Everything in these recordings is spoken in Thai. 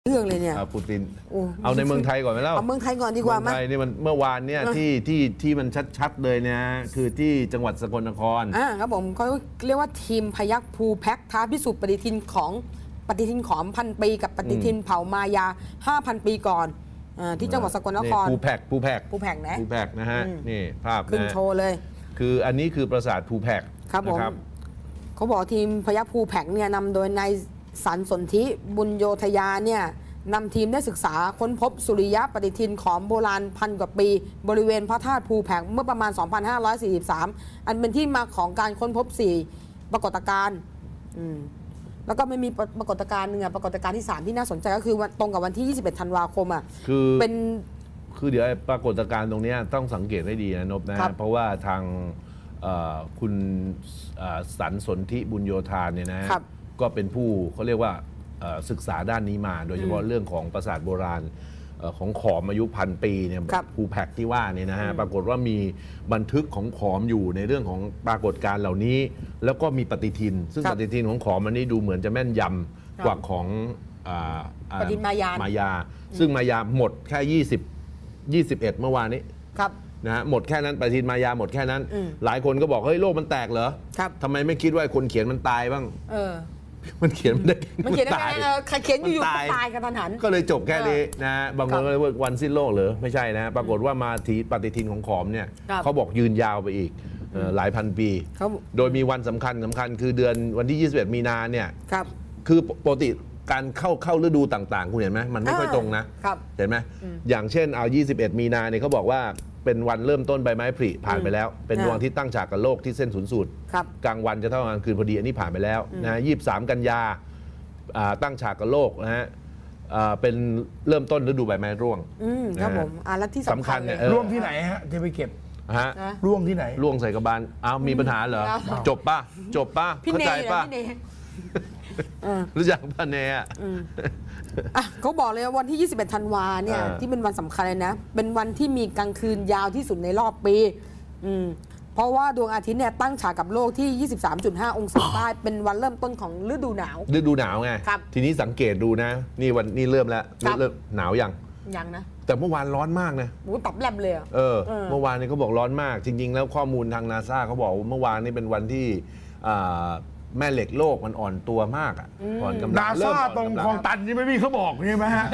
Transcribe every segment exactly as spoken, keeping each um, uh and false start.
เรื่องเลยเนี่ยปูตินเอาในเมืองไทยก่อนไหมเล่าเอาเมืองไทยก่อนดีกว่าไหมเมืองไทยนี่มันเมื่อวานเนี่ยที่ที่ที่มันชัดๆเลยนะคือที่จังหวัดสกลนครอ่าครับผมเขาเรียกว่าทีมพยัคฆ์ภูแพ็กท้าพิสูจน์ปฏิทินของปฏิทินของพันปีกับปฏิทินเผ่ามายา ห้าพัน ปีก่อนอ่าที่จังหวัดสกลนครภูแพ็กภูแพ็กภูแพ็กนะภูแพ็กนะฮะนี่ภาพขึ้นโชว์เลยคืออันนี้คือปราสาทภูแพ็กครับผมเขาบอกทีมพยัคฆ์ภูแพ็กเนี่ยนำโดยนายสันสนธิบุญโยธยาเนี่ยนำทีมได้ศึกษาค้นพบสุริยะปฏิทินของโบราณพันกว่าปีบริเวณพระธาตุภูแพ็กเมื่อประมาณ สองพันห้าร้อยสี่สิบสาม อันเป็นที่มาของการค้นพบสี่ปรากฏการณ์แล้วก็ไม่มีปรากฏการณ์หนึ่งปรากฏการณ์ที่สามที่น่าสนใจก็คือตรงกับวันที่ยี่สิบเอ็ดธันวาคมอ่ะคือเป็นคือเดี๋ยวปรากฏการณ์ตรงนี้ต้องสังเกตให้ดีนะนพนะเพราะว่าทางคุณสันสนธิบุญโยธาเนี่ยนะก็เป็นผู้เขาเรียกว่าศึกษาด้านนี้มาโดยเฉพาะเรื่องของปราสาทโบราณของขอมอายุพันปีเนี่ยภูแพ็กที่ว่านี่นะฮะปรากฏว่ามีบันทึกของขอมอยู่ในเรื่องของปรากฏการณ์เหล่านี้แล้วก็มีปฏิทินซึ่งปฏิทินของขอมมันนี่ดูเหมือนจะแม่นยำกว่าของปฏิทินมายามายาซึ่งมายาหมดแค่ยี่สิบ ยี่สิบเอ็ดเมื่อวานนี้นะฮะหมดแค่นั้นปฏิทินมายาหมดแค่นั้นหลายคนก็บอกเฮ้ยโลกมันแตกเหรอทำไมไม่คิดว่าคนเขียนมันตายบ้างมันเขียนมันได้มันเขียนได้ไงใครเขียนอยู่ๆตายกันทันหันก็เลยจบแค่นี้นะบางคนก็เลยว่าวันสิ้นโลกหรือไม่ใช่นะปรากฏว่ามาทีปฏิทินของขอมเนี่ยเขาบอกยืนยาวไปอีกหลายพันปีโดยมีวันสำคัญสำคัญคือเดือนวันที่ยี่สิบเอ็ดมีนาเนี่ยคือปกติการเข้าเข้าฤดูต่างๆคุณเห็นไหมมันไม่ค่อยตรงนะเห็นไหมอย่างเช่นเอายี่สิบเอ็ดมีนาเนี่ยเขาบอกว่าเป็นวันเริ่มต้นใบไม้ผลิผ่านไปแล้วเป็นดวงอาทิตย์ตั้งฉากกับโลกที่เส้นศูนย์สูตรกลางวันจะเท่ากับกลางคืนพอดีอันนี้ผ่านไปแล้วนะยี่สิบสามกันยาตั้งฉากกับโลกนะฮะเป็นเริ่มต้นฤดูใบไม้ร่วงครับผมแล้วที่สำคัญเนี่ยร่วงที่ไหนฮะจะไปเก็บฮะร่วงที่ไหนร่วงใส่กระบาลอ้าวมีปัญหาเหรอจบป่ะจบป่ะเข้าใจป่ะรู้จักป่ะเนี่ยเขาบอกเลยว่าวันที่ยี่สิบเอ็ดธันวาเนี่ยที่เป็นวันสำคัญเลยนะเป็นวันที่มีกลางคืนยาวที่สุดในรอบปีเพราะว่าดวงอาทิตย์เนี่ยตั้งฉากกับโลกที่ ยี่สิบสามจุดห้า องศาใต้เป็นวันเริ่มต้นของฤดูหนาวฤดูหนาวไงทีนี้สังเกตดูนะนี่วันนี่เริ่มแล้วเริ่มหนาวยังยังนะแต่เมื่อวานร้อนมากนะโอ้ตับแลบเลยเออเมื่อวานนี้เขาบอกร้อนมากจริงๆแล้วข้อมูลทางนาซาเขาบอกเมื่อวานนี้เป็นวันที่แม่เหล็กโลกมันอ่อนตัวมากอ่ะอ่อนกำลังนาซาตรงคลองตันนี่ไม่มีเขาบอกใช่ไหมฮะ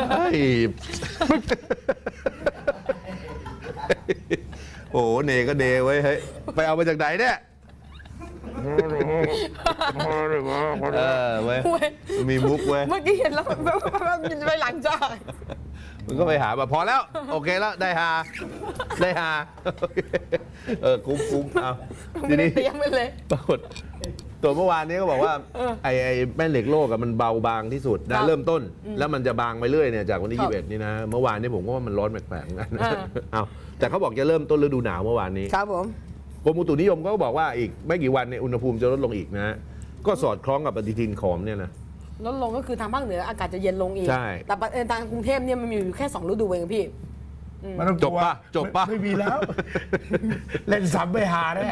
โอ้เนก็เนไว้เฮ้ยไปเอามาจากไหนเนี่ยเออเว้ยมีมุกเว้ยเมื่อกี้เห็นแล้วมันไปหลังจ้ามันก็ไปหาแบบพอแล้วโอเคแล้วได้ฮาได้ฮาเออคุ้มคุ้มเอาทีนี้เตรียมไปเลยปรากฏตัวเมื่อวานนี้ก็บอกว่าไอ้ไอ้แม่เหล็กโลกมันเบาบางที่สุดนะเริ่มต้นแล้วมันจะบางไปเรื่อยเนี่ยจากวันที่ยี่สิบเอ็ดนี่นะเมื่อวานนี้ผมก็ว่ามันร้อนแปลกๆกันเอาแต่เขาบอกจะเริ่มต้นฤดูหนาวเมื่อวานนี้ครับผมกรมอุตุนิยมก็บอกว่าอีกไม่กี่วันเนี่ยอุณหภูมิจะลดลงอีกนะก็สอดคล้องกับปฏิทินขอมเนี่ยนะลดลงก็คือทางภาคเหนืออากาศจะเย็นลงอีกแต่ทางกรุงเทพเนี่ยมันมีอยู่แค่สองฤดูเองพี่มันต้องจบป่ะจบป่ะไม่มีแล้วเล่นซ้ำไปหาแน่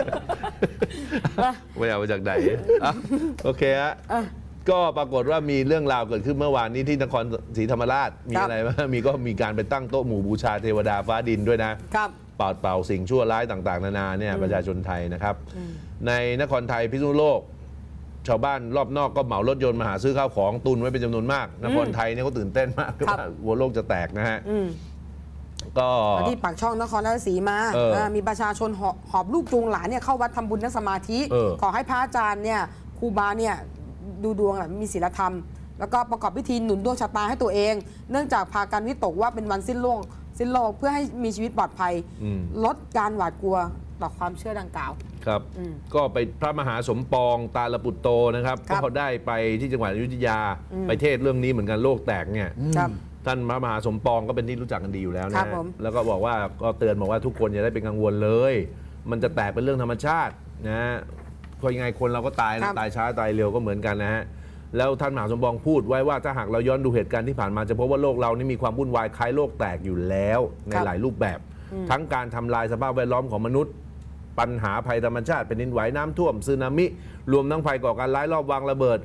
ไม่เอามาจากไหนโอเคฮะก็ปรากฏว่ามีเรื่องราวเกิดขึ้นเมื่อวานนี้ที่นครศรีธรรมราชมีอะไรบ้างมีก็มีการไปตั้งโต๊ะหมู่บูชาเทวดาฟ้าดินด้วยนะครับเป่าเป่าสิ่งชั่วร้ายต่างๆนานาเนี่ยประชาชนไทยนะครับในนครไทยพิษณุโลกชาวบ้านรอบนอกก็เหมารถยนต์มาหาซื้อข้าวของตุนไว้เป็นจำนวนมากนครไทยเนี่ยเขาตื่นเต้นมากว่าหัวโลกจะแตกนะฮะก็ที่ปากช่องนครราชสีมามีประชาชนหอบลูกจูงหลานเนี่ยเข้าวัดทำบุญนั่งสมาธิขอให้พระอาจารย์เนี่ยครูบาเนี่ยดูดวงมีศีลธรรมแล้วก็ประกอบพิธีหนุนดวงชะตาให้ตัวเองเนื่องจากพากันวิตกว่าเป็นวันสิ้นโลกสิ้นโลกเพื่อให้มีชีวิตปลอดภัยลดการหวาดกลัวต่อความเชื่อดังกล่าวครับก็ไปพระมหาสมปองตาลปุตโตนะครับก็เขาได้ไปที่จังหวัดอยุธยาไปเทศเรื่องนี้เหมือนกันโลกแตกเนี่ยท่านพระมหาสมปองก็เป็นที่รู้จักกันดีอยู่แล้วนะแล้วก็บอกว่าก็เตือนบอกว่าทุกคนอย่าได้เป็นกังวลเลยมันจะแตกเป็นเรื่องธรรมชาตินะเพราะยังไงคนเราก็ตายนะตายช้าตายเร็วก็เหมือนกันนะฮะแล้วท่านมหาสมปองพูดไว้ว่าถ้าหากเราย้อนดูเหตุการณ์ที่ผ่านมาจะพบว่าโลกเรานี่มีความวุ่นวายคล้ายโลกแตกอยู่แล้วในหลายรูปแบบทั้งการทำลายสภาพแวดล้อมของมนุษย์ปัญหาภัยธรรมชาติเป็นดินไหวน้ำท่วมสึนามิรวมทั้งภัยก่อการร้ายรอบวางระเบิด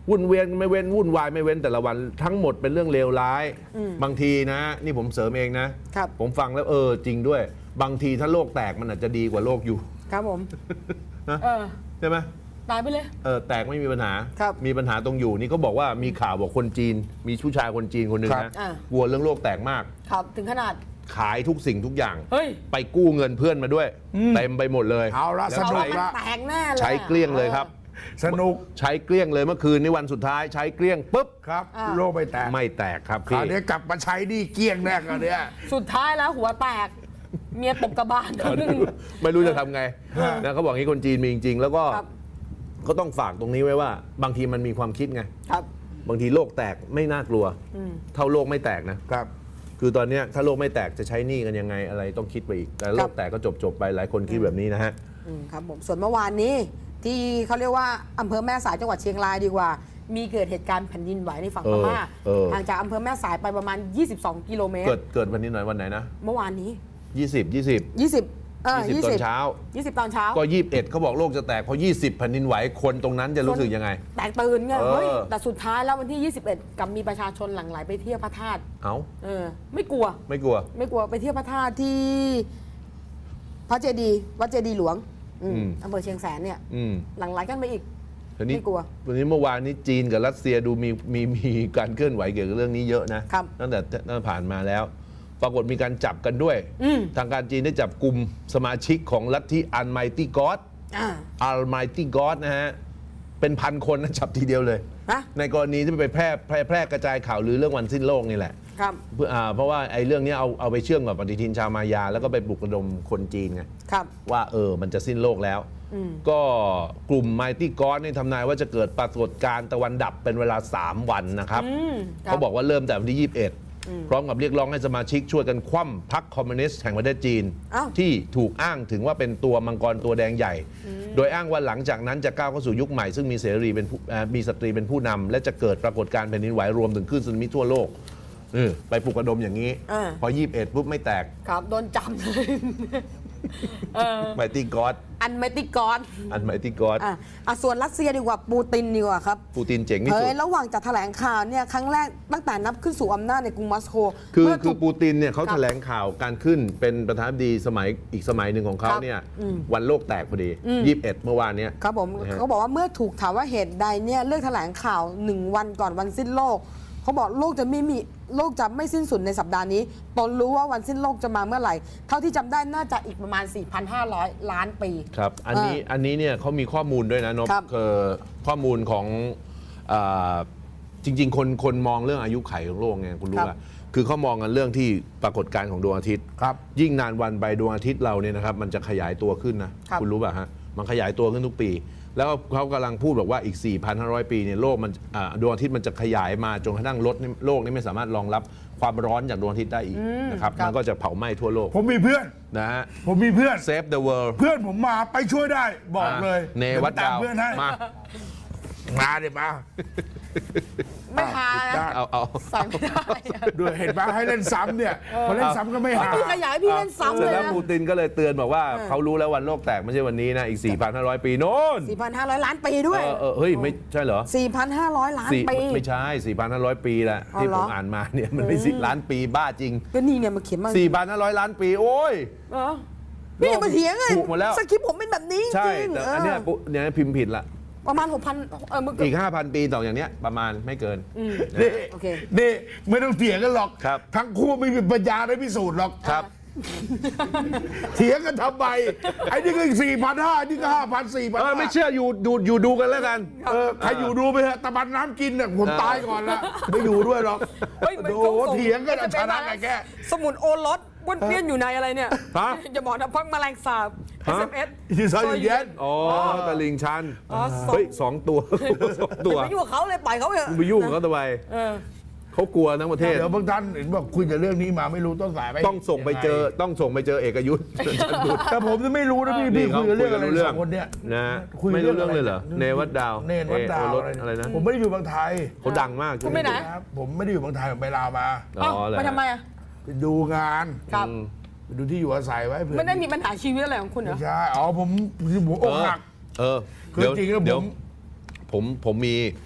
วุ่นเวียนไม่เว้นวุ่นวายไม่เว้นแต่ละวันทั้งหมดเป็นเรื่องเลวร้ายบางทีนะนี่ผมเสริมเองนะครับผมฟังแล้วเออจริงด้วยบางทีถ้าโลกแตกมันอาจจะดีกว่าโลกอยู่ครับผมนะเออใช่ไหมตายไปเลยเออแตกไม่มีปัญหาครับมีปัญหาตรงอยู่นี่เขาบอกว่ามีข่าวบอกคนจีนมีผู้ชายคนจีนคนหนึ่งนะกลัวเรื่องโลกแตกมากครับถึงขนาดขายทุกสิ่งทุกอย่างเฮ้ยไปกู้เงินเพื่อนมาด้วยเต็มไปหมดเลยเอาละสนุกละแตกแน่เลยใช้เกลี้ยงเลยครับสนุกใช้เกลี้ยงเลยเมื่อคืนนี้วันสุดท้ายใช้เกลี้ยงปุ๊บครับโลกไม่แตกไม่แตกครับคราวนี้กลับมาใช้นี่เกลี้ยงแน่กันเนี่ยสุดท้ายแล้วหัวแตกเมียตบกระบาลไม่รู้จะทำไงนะเขาบอกงี้คนจีนมีจริงๆแล้วก็ก็ต้องฝากตรงนี้ไว้ว่าบางทีมันมีความคิดไงครับบางทีโลกแตกไม่น่ากลัวเท่าโลกไม่แตกนะครับคือตอนนี้ถ้าโลกไม่แตกจะใช้หนี้กันยังไงอะไรต้องคิดไปอีกแต่โลกแตกก็จบจบไปหลายคนคิดแบบนี้นะฮะครับผมส่วนเมื่อวานนี้ที่เขาเรียกว่าอำเภอแม่สายจังหวัดเชียงรายดีกว่ามีเกิดเหตุการณ์แผ่นดินไหวในฝั่งพม่าห่างจากอำเภอแม่สายไปประมาณยี่สิบสองกิโลเมตรเกิดเกิดวันนี้หน่อยวันไหนนะเมื่อวานนี้ยี่สิบ ยี่สิบยี่สิบเออยี่สิบตอนเช้ายี่สิบตอนเช้าก็ยี่สิบเอ็ดเขาบอกโลกจะแตกเพราะยี่สิบแผ่นดินไหวคนตรงนั้นจะรู้สึกยังไงแตกตื่นไงเฮ้ยแต่สุดท้ายแล้ววันที่ยี่สิบเอ็ดกลับมีประชาชนหลั่งไหลไปเที่ยวพระธาตุเอ้าเออไม่กลัวไม่กลัวไม่กลัวไปเที่ยวพระธาตุที่พระเจดีย์วัดเจดีย์หลวงอำเภอเชียงแสนเนี่ยหลั่งไหลกันไปอีกไม่กลัววันนี้เมื่อวานนี้จีนกับรัสเซียดูมีมีมีการเคลื่อนไหวเกี่ยวกับเรื่องนี้เยอะนะตั้งแต่ตั้งผ่านมาแล้วปรากฏมีการจับกันด้วยทางการจีนได้จับกลุ่มสมาชิกของลัทธิ Almighty God Almighty God นะฮะเป็นพันคนนะจับทีเดียวเลยในกรณีที่ไปแพร่แพร่แพร่กระจายข่าวหรือเรื่องวันสิ้นโลกนี่แหละเพราะว่าไอ้เรื่องนี้เอาเอาไปเชื่อมกับปฏิทินชาวมายาแล้วก็ไปปลุกระดมคนจีนไงว่าเออมันจะสิ้นโลกแล้วก็กลุ่ม Mighty God นี่ทำนายว่าจะเกิดปรากฏการณ์ตะวันดับเป็นเวลาสามวันนะครับเขาบอกว่าเริ่มแต่วันที่ยี่สิบเอ็ดพร้อมกับเรียกร้องให้สมาชิกช่วยกันคว่ำพรรคคอมมิวนิสต์แห่งประเทศจีนที่ถูกอ้างถึงว่าเป็นตัวมังกรตัวแดงใหญ่โดยอ้างว่าหลังจากนั้นจะก้าวเข้าสู่ยุคใหม่ซึ่งมีเสรีเป็นมีสตรีเป็นผู้นำและจะเกิดปรากฏการณ์แผ่นดินไหวรวมถึงคลื่นสึนามิทั่วโลกไปปลุกระดมอย่างนี้พอยี่สิบเอ็ดปุ๊บไม่แตกครับโดนจับเลยไมตี้ก็อดอันไมตี้ก็อดอันไมตี้ก็อดอ่ะส่วนรัสเซียดีกว่าปูตินดีกว่าครับปูตินเจ๋งที่สุดระหว่างจัดแถลงข่าวเนี่ยครั้งแรกตั้งแต่นับขึ้นสู่อำนาจในกรุงมอสโกคือคือปูตินเนี่ยเขาแถลงข่าวการขึ้นเป็นประธานาธิบดีสมัยอีกสมัยหนึ่งของเขาเนี่ยวันโลกแตกพอดียี่สิบเอ็ดเมื่อวานนี้ครับผมเขาบอกว่าเมื่อถูกถามว่าเหตุใดเนี่ยเลือกแถลงข่าวหนึ่งวันก่อนวันสิ้นโลกเขาบอกโลกจะไม่มีโลกจะไม่สิ้นสุดในสัปดาห์นี้ตนรู้ว่าวันสิ้นโลกจะมาเมื่อไหร่เท่าที่จำได้น่าจะอีกประมาณ สี่พันห้าร้อย ล้านปีครับอันนี้อันนี้เนี่ยเขามีข้อมูลด้วยนะนพคือข้อมูลของจริงๆคนคนมองเรื่องอายุไขของโลกไงคุณรู้ป่ะคือเขามองกันเรื่องที่ปรากฏการณ์ของดวงอาทิตย์ยิ่งนานวันไปดวงอาทิตย์เราเนี่ยนะครับมันจะขยายตัวขึ้นนะคุณรู้ป่ะฮะมันขยายตัวขึ้นทุกปีแล้วเขากำลังพูดบอกว่าอีก สี่พันห้าร้อย ปีเนี่ยโลกมันดวงอาทิตย์มันจะขยายมาจนกระทั่งลดโลกนี้ไม่สามารถรองรับความร้อนจากดวงอาทิตย์ได้อีกนะครับมันก็จะเผาไหม้ทั่วโลกผมมีเพื่อนนะฮะผมมีเพื่อน Save the world เพื่อนผมมาไปช่วยได้บอกเลยเนวัดดาวเพื่อนให้มามาเดี๋ยวมาไม่หาเอาเอาใส่ไม่ได้ด้วยเห็นป่ะให้เล่นซ้ำเนี่ยพอเล่นซ้ำก็ไม่หาพี่ขยายพี่เล่นซ้ำเลยแล้วปูตินก็เลยเตือนบอกว่าเขารู้แล้ววันโลกแตกไม่ใช่วันนี้นะอีก สี่พันห้าร้อย ปีโน่นสี่พันห้าร้อย ล้านปีด้วยเออเฮ้ยไม่ใช่เหรอสี่พันห้าร้อย ล้านปีไม่ใช่ สี่พันห้าร้อย ปีแหละที่ผมอ่านมาเนี่ยมันไม่สิล้านปีบ้าจริงก็นี่เนี่ยมาเขียนมาสี่พันห้าร้อย ล้านปีโอ้ยนี่มาเถียงเลยสคริปต์ผมเป็นแบบนี้จริงแต่อันเนี้ยเนี่ยพิมพ์ผิดละประมาณ หกพัน เอออีก ห้าพัน ปีต่ออย่างเนี้ยประมาณไม่เกินนี่นี่ไม่ต้องเถียงกันหรอกทั้งคู่ไม่มีปัญญาได้พิสูจน์หรอกครับเถียงกันทำไมไอ้นี่ก็สี่พันห้านี่ก็ห้าพันสี่พันไม่เชื่ออยู่ดูอยู่ดูกันแล้วกันเออใครอยู่ดูไปเถอะตะบันน้ำกินเนี่ยผมตายก่อนละไม่อยู่ด้วยหรอกโอ้เถียงกันชนะไงแกสมุนโอรสวนเวียนอยู่ในอะไรเนี่ยจะบอกนะพักแมลงสาบ เอส เอ็ม เอสที่ซอยเย็นอ๋อตะลิงชันเฮ้ยสองตัวสองตัวไปยุ่งกับเขาเลยปล่อยเขาเถอะไปยุ่งกับเขาทำไมเขากลัวทั้งประเทศเดี๋ยวบางท่านเห็นบอกคุยแต่เรื่องนี้มาไม่รู้ต้นสายไปต้องส่งไปเจอต้องส่งไปเจอเอกยุทธ์แต่ผมจะไม่รู้นะพี่พี่คุยเรื่องอะไรสองคนเนี้ยนะไม่รู้เรื่องเลยเหรอเนวัดดาวเนวัดดาวอะไรนะผมไม่ได้อยู่บางไทยเขาดังมากคุณไม่ไหนผมไม่ได้อยู่บางไทยผมไปลาวมาอ๋อไปทำไมอ่ะไปดูงานครับไปดูที่อยู่อาศัยไว้เพื่อไม่ได้มีปัญหาชีวิตอะไรของคุณเหรอใช่อ๋อผมผมอกหักเออคือจริงแล้วผมผมผมมี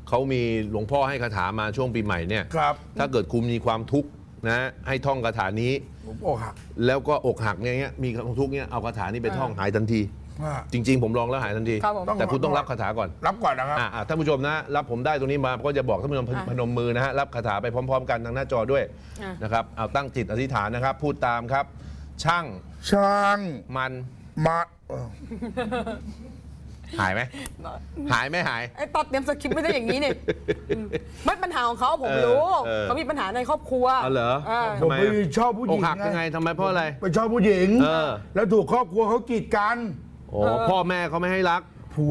เขามีหลวงพ่อให้คาถามาช่วงปีใหม่เนี่ยครับถ้าเกิดคุณมีความทุกข์นะให้ท่องคาถานี้ผมอกหักแล้วก็อกหักเนี่ยเงี้ยมีความทุกข์เนี่ยเอาคาถานี้ไปท่องหายทันทีอ่าจริง ๆ ผมลองแล้วหายทันทีครับผมแต่คุณต้องรับคาถาก่อนรับก่อนนะครับอ่าท่านผู้ชมนะรับผมได้ตรงนี้มาก็จะบอกท่านผู้ชมพนมมือนะฮะรับคาถาไปพร้อม ๆ กันทางหน้าจอด้วยนะครับเอาตั้งจิตอธิษฐานนะครับ พูดตามครับ ช่างช่างมันมาเออหายไหมหายไม่หายไอ้ตอนเตรียมสคริปต์ไม่ได้อย่างนี้เนี่ยมันปัญหาของเขาผมรู้เออเขามีปัญหาในครอบครัวอ๋อเหรอเออผมไปชอบผู้หอญิกงหักยังไงทำไมเพราะอะไรไปชอบผู้หญิงเออแล้วถูกครอบครัวเขากีดกันโอ้พ่อแม่เขาไม่ให้รักผัว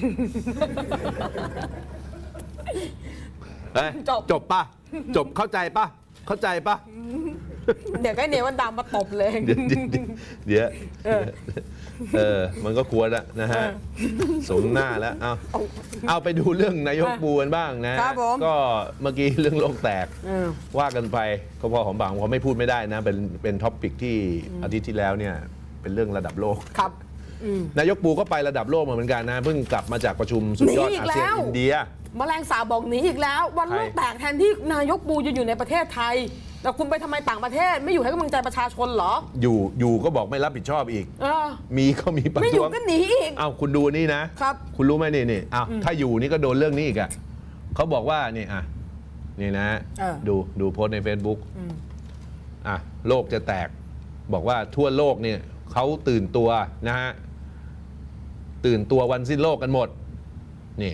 เอ้ยจบจบป่ะจบเข้าใจป่ะเข้าใจป่ะเดี๋ยวก็เนวันดามมาตบเลยเดี๋ยวเดี๋ยวเดี๋ยวเออ มันก็ควรละนะฮะ สมหน้าแล้ว เอาเอาไปดูเรื่องนายกปูกันบ้างนะครับผมก็เมื่อกี้เรื่องโลกแตกเออว่ากันไปก็พอหอมปากหอมคอไม่พูดไม่ได้นะ เป็นเป็นท็อปปิกที่อาทิตย์ที่แล้วเนี่ย เป็นเรื่องระดับโลกครับอืมนายกปูก็ไประดับโลกมาเหมือนกันนะ เพิ่งกลับมาจากประชุมสุดยอดหนีอีกอาเซียนแล้วอินเดียแมลงสาบบอกหนีอีกแล้ว วันใครโลกแตกแทนที่นายกปูจะอยู่ในประเทศไทย แต่คุณไปทำไมต่างประเทศ ไม่อยู่ให้กำลังใจประชาชนเหรออยู่อยู่ก็บอกไม่รับผิดชอบอีกเออมีก็มีประไม่อยู่ท้วงก็หนีอีกเอาคุณดูนี่นะครับคุณรู้ไหมนี่นี่อ้าวถ้าอยู่นี่ก็โดนเรื่องนี้อีกอ่ะเขาบอกว่านี่อ่ะนี่นะเออดูดูโพสต์ใน Facebook อ่ะโลกจะแตก บอกว่าทั่วโลกเนี่ยเขาตื่นตัวนะฮะตื่นตัววันสิ้นโลกกันหมด นี่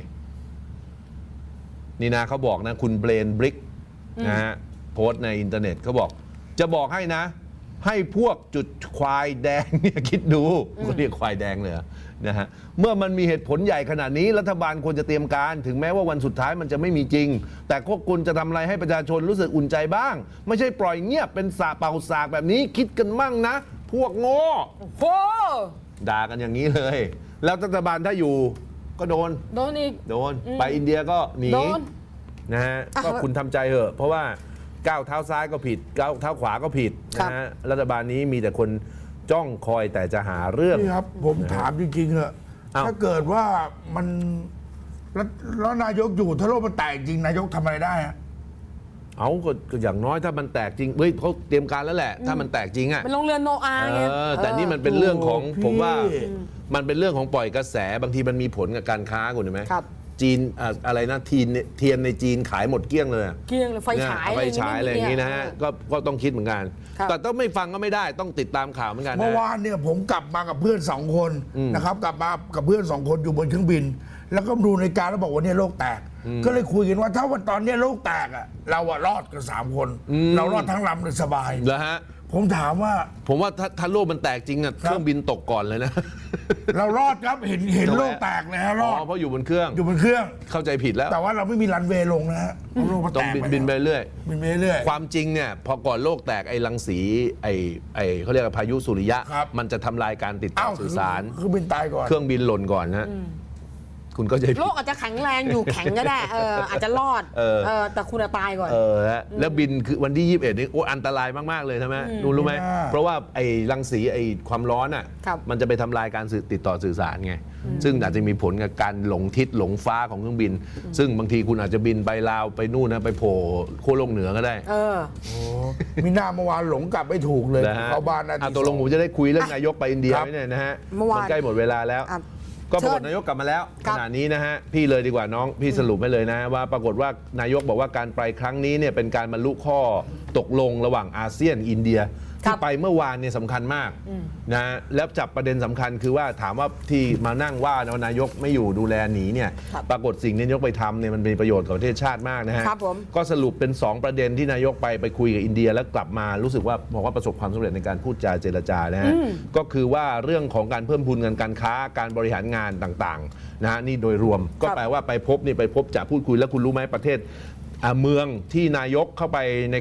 นี่นะเขาบอกนะ คุณเบรนบริกนะฮะโพสต์ในอินเทอร์เน็ตเขาบอก จะบอกให้นะ ให้พวกจุดควายแดงเนี่ยคิดดูเขาเรียกควายแดงเลยเหรอนะฮะเมื่อมันมีเหตุผลใหญ่ขนาดนี้รัฐบาลควรจะเตรียมการถึงแม้ว่าวันสุดท้ายมันจะไม่มีจริง แต่พวกคุณจะทำอะไรให้ประชาชนรู้สึกอุ่นใจบ้าง ไม่ใช่ปล่อยเงียบเป็นสาเป่าสากแบบนี้คิดกันมั่งนะ พวกโง่โหด่ากันอย่างนี้เลย แล้วรัฐบาลถ้าอยู่ก็โดนโดนอีกโดนไปอินเดียก็หนีโดนนะฮะอ่ะก็คุณทำใจเถอะเพราะว่าก้าวเท้าซ้ายก็ผิดก้าวเท้าขวาก็ผิดครับนะฮะรัฐบาลนี้มีแต่คนจ้องคอยแต่จะหาเรื่องนี่ครับ ผมถามจริงๆเหอะอ้าวถ้าเกิดว่ามันแล้วแล้วนายกอยู่ถ้าโลกมันแตกจริงนายกทำอะไรได้อะเอาก็ก็อย่างน้อยถ้ามันแตกจริงเฮ้ยเขาเตรียมการแล้วแหละ ถ้ามันแตกจริงอ่ะเป็นโรงเรือนโนอาห์ไงเออแต่นี่มันเป็นเรื่องของโอ้พี่ผมว่ามันเป็นเรื่องของปล่อยกระแสบางทีมันมีผลกับการค้าคุณเห็นไหมครับจีนอ่ะอะไรนะทีนเทียนในจีนขายหมดเกลี้ยงเลยอะเกลี้ยงเลยไฟฉายเนี่ยไฟฉายอะไรอย่างนี้นะฮะก็ก็ต้องคิดเหมือนกันครับแต่ต้องไม่ฟังก็ไม่ได้ต้องติดตามข่าวเหมือนกันนะเมื่อวานเนี่ยผมกลับมากับเพื่อนสองคนนะครับ กลับมากับเพื่อนสองคนอยู่บนเครื่องบิน แล้วก็ดูในาฬิการแล้วบอกว่าเนี่ยโลกแตก ก็เลยคุยกันว่าถ้าวันตอนเนี้ยโลกแตกอ่ะเราอะรอดกันสามคน เรารอดทั้งลำเลยสบายเหรอฮะผมถามว่าผมว่าถ้าถ้าโลกมันแตกจริงอ่ะเครื่องบินตกก่อนเลยนะเรารอดครับเห็นเห็นทำไมโลกแตกเลยฮะรอ๋ออดเพราะอยู่บนเครื่องอยู่บนเครื่องเข้าใจผิดแล้วแต่ว่าเราไม่มีรันเวย์ลงนะฮะเพราะโลกมันต้แตองกบินไปบินไปเรื่อยบินไปเรื่อยความจริงเนี่ยพอก่อนโลกแตกไอ้รังสีไอ้ไอ้เขาเรียกว่าพายุสุริยะครับมันจะทำลายการติดต่อ้าอวสื่อสารคือบินตายก่อนเครื่องบินหล่นก่อนนะคุณก็จะโลกอาจจะแข็งแรงอยู่แข็งก็ได้เอออาจจะรอดเออเออแต่คุณอะตายก่อนเออฮะแล้วบินคือวันที่ยี่สิบเอ็ดนี่โอ้อันตรายมาก ๆ เลยใช่ไหมรู้รู้ไหมไม่น่าเพราะว่าไอ้รังสีไอ้ความร้อนอ่ะครับมันจะไปทำลายการสื่อติดต่อสื่อสารไง ซึ่งอาจจะมีผลกับการหลงทิศหลงฟ้าของเครื่องบิน ซึ่งบางทีคุณอาจจะบินไปลาวไปนู่นนะไปโผล่ขั้วโลกเหนือก็ได้เออโอ้มีหน้าเมื่อวานหลงกลับไม่ถูกเลยนะฮะเข้าบ้านนาทีอ่ะตกลงผมจะได้คุยเรื่องนายกไปอินเดียครับไหมเนี่ยนะฮะเมื่อวานใกล้หมดเวลาแล้วอ่ะก็ปรากฏเชิญนายกกลับมาแล้วครัขบณะนี้นะฮะพี่เลยดีกว่าน้องพี่สรุปให้เลยนะ ว่าปรากฏว่านายกบอกว่าการไปครั้งนี้เนี่ยเป็นการบรรลุข้อตกลงระหว่างอาเซียนอินเดียครัที่บไปเมื่อวานเนี่ยสำคัญมากนะแล้วจับประเด็นสำคัญคือว่าถามว่าที่มานั่งว่านะว่านายกไม่อยู่ดูแลหนีเนี่ยครับปรากฏสิ่งที่นายกไปทำเนี่ยมันเป็นประโยชน์กับประเทศชาติมากนะฮะครับผมก็สรุปเป็น สอง ประเด็นที่นายกไปไปคุยกับอินเดียแล้วกลับมารู้สึกว่าบอกว่าประสบความสำเร็จในการพูดจาเจรจานะฮะก็คือว่าเรื่องของการเพิ่มพูนเงินการค้าการบริหารงานต่างๆนะฮะนี่โดยรวมก็ครับแปลว่าไปพบนี่ไปพบจะพูดคุยแล้วคุณรู้ไหมประเทศอ่าเมืองที่นายกเข้าไปใน